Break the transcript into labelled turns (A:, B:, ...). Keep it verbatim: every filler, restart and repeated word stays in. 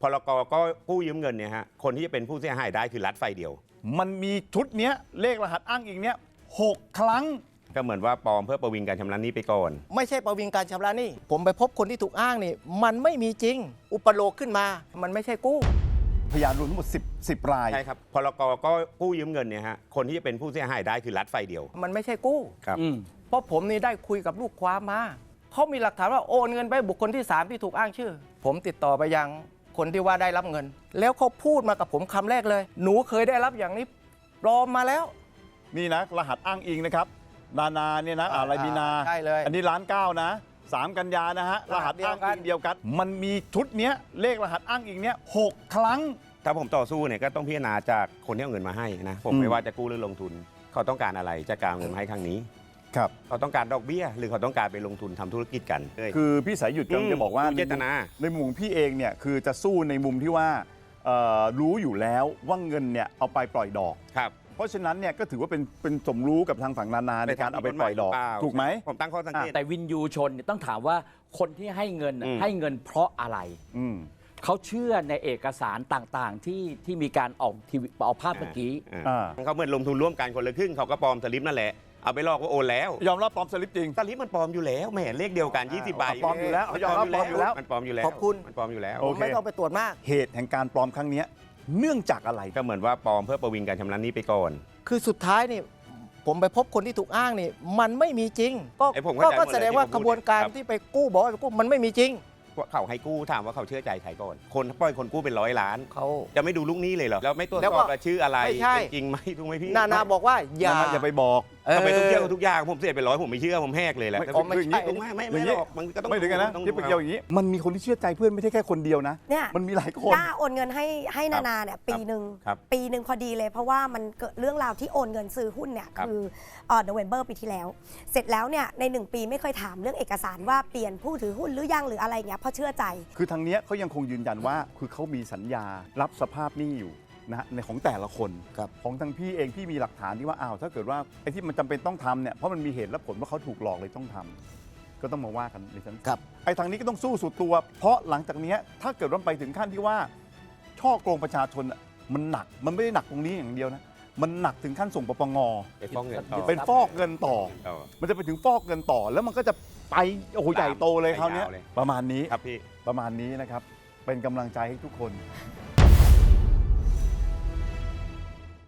A: พรก.ก็กู้ยืมเงินเนี่ยฮะคนที่จะเป็นผู้เสียหายได้คือรัฐไฟเดียว
B: มันมีชุดเนี้ยเลขรหัสอ้างอิงเนี้ยหกครั้ง
A: ก็เหมือนว่าปลอมเพื่อประวิงการชำระหนี้ไปก่อน
C: ไม่ใช่ประวิงการชำระหนี้ผมไปพบคนที่ถูกอ้างนี่มันไม่มีจริงอุปโลกขึ้นมามันไม่ใช่กู้
B: พยานรวมทั้งหมดสิบ สิบราย
A: ใช่ครับพรก.ก็กู้ยืมเงินเนี่ยฮะคนที่จะเป็นผู้เสียหายได้คือรัฐไฟเดียว
C: มันไม่ใช่กู้
A: ครับ
C: เพราะผมนี่ได้คุยกับลูกความมาเขามีหลักฐานว่าโอนเงินไปบุคคลที่สามที่ถูกอ้างชื่อผมติดต่อไปยังคนที่ว่าได้รับเงินแล้วเขาพูดมากับผมคำแรกเลยหนูเคยได้รับอย่างนี้ปลอมมาแล้ว
B: นี่นะรหัสอ้างอิงนะครับนานาเนี่ยนะอะไรมีนา
C: ใช่เลย
B: อันนี้ล้านเก้านะสามกันยานะฮะรหัสอ้างอิงเดียวกันมันมีชุดเนี้ยเลขรหัสอ้างอิงเนี้ยหกครั้ง
A: ถ้าผมต่อสู้เนี่ยก็ต้องพิจารณาจากคนที่เอาเงินมาให้นะผมไม่ว่าจะกู้หรือลงทุนเขาต้องการอะไรจะการเงินมาให้ครั้งนี้
B: ครับ
A: เขาต้องการดอกเบี้ยหรือเขาต้องการไปลงทุนทำธุรกิจกัน
B: คือพี่สายหยุดกำลังจะบอกว่า
A: เจตนา
B: ในมุมพี่เองเนี่ยคือจะสู้ในมุมที่ว่ารู้อยู่แล้วว่าเงินเนี่ยเอาไปปล่อยดอก
A: ครับ
B: เพราะฉะนั้นเนี่ยก็ถือว่าเป็นเป็นสมรู้กับทางฝั่งนานาในการเอาไปปล่อยดอกถูกไหม
A: ผมตั้งข้อสังเกต
D: แต่วินยูชนต้องถามว่าคนที่ให้เงินให้เงินเพราะอะไรเขาเชื่อในเอกสารต่างๆที่ที่มีการออกทีวีเอาภาพเมื่อกี้
A: เขาเหมือนลงทุนร่วมกันคนละครึ่งเขาก็ปลอมสลิปนั่นแหละเอาไปลอกว่าโอนแล้ว
B: ยอมรับปลอมสลิปจริง
A: สลิปมันปลอมอยู่แล้วแหมเลขเดียวกันยี่สิบใบ
B: ปลอมอยู่แล้วยอมรับปลอมอยู่แล้ว
A: มันปลอมอยู่แล้ว
C: ขอบคุณ
A: มันปลอมอยู่แล้ว
C: ไม่ต้องไปตรวจมาก
B: เหตุแห่งการปลอมครั้งนี้เนื่องจากอะไร
A: ก็เหมือนว่าปลอมเพื่อประวิงการชำระหนี้ไปก่อน
C: คือสุดท้ายนี่ผมไปพบคนที่ถูกอ้างนี่มันไม่มีจริงก็ก็แสดงว่ากระบวนการที่ไปกู้บอกว่าไปกู้มันไม่มีจริง
A: เขาให้กู้ถามว่าเขาเชื่อใจใครก่อนคนปล่อยคนกู้เป็นร้อยล้าน
C: เขา
A: จะไม่ดูลูกหนี้เลยเหรอแล้วไม่ตรวจสอบว่าชื่ออะไรจริงไหมถูกไหมพี่
C: นานาบอกว่าอย่า
B: อย่าไปบอก
A: ทำไมต้องเชื่อทุกอย่างผมเสียไปร้อยผมไม่เชื่อผมแหกเลยแหละ
B: ไม่ไม่
A: ไม่ไม่ไม่หรอกมันก็ต้อง
B: ไม่ถึงกันนะที่เป็นเกี่ยวอย่างนี้มันมีคนที่เชื่อใจเพื่อนไม่ใช่แค่คนเดียวนะ
E: เนี่ย
B: มันมีหลายคน
E: กล้าโอนเงินให้ให้นานาเนี่ยปีหนึ่งปีหนึ่งพอดีเลยเพราะว่ามันเกิดเรื่องราวที่โอนเงินซื้อหุ้นเนี่ยคือเอ่อโนเวมเบอร์ปีที่แล้วเสร็จแล้วเนี่ยในหนึ่งปีไม่เคยถามเรื่องเอกสารว่าเปลี่ยนผู้ถือหุ้นหรือยังหรืออะไรเงี้ยเพราะเชื่อใจ
B: คือทางนี้เขายังคงยืนยันว่าคือเขามีสัญญารับสภาพหนี้อยู่นะในของแต่ละคนของทางพี่เองพี่มีหลักฐานที่ว่าอ้าวถ้าเกิดว่าไอ้ที่มันจำเป็นต้องทำเนี่ยเพราะมันมีเหตุและผลว่าเขาถูกหลอกเลยต้องทำก็ต้องมาว่ากันในชั้นศาลไอ้ทางนี้ก็ต้องสู้สุดตัวเพราะหลังจากนี้ถ้าเกิดว่าไปถึงขั้นที่ว่าช่อโกงประชาชนมันหนักมันไม่ได้หนักตรงนี้อย่างเดียวนะมันหนักถึงขั้นส่งปปงเป็นฟอกเงินต่อมันจะไปถึงฟอกเงินต่อแล้วมันก็จะไปโอ้โหใหญ่โตเลยคราวนี้ประมาณนี้
A: ครับพี่
B: ประมาณนี้นะครับเป็นกำลังใจให้ทุกคน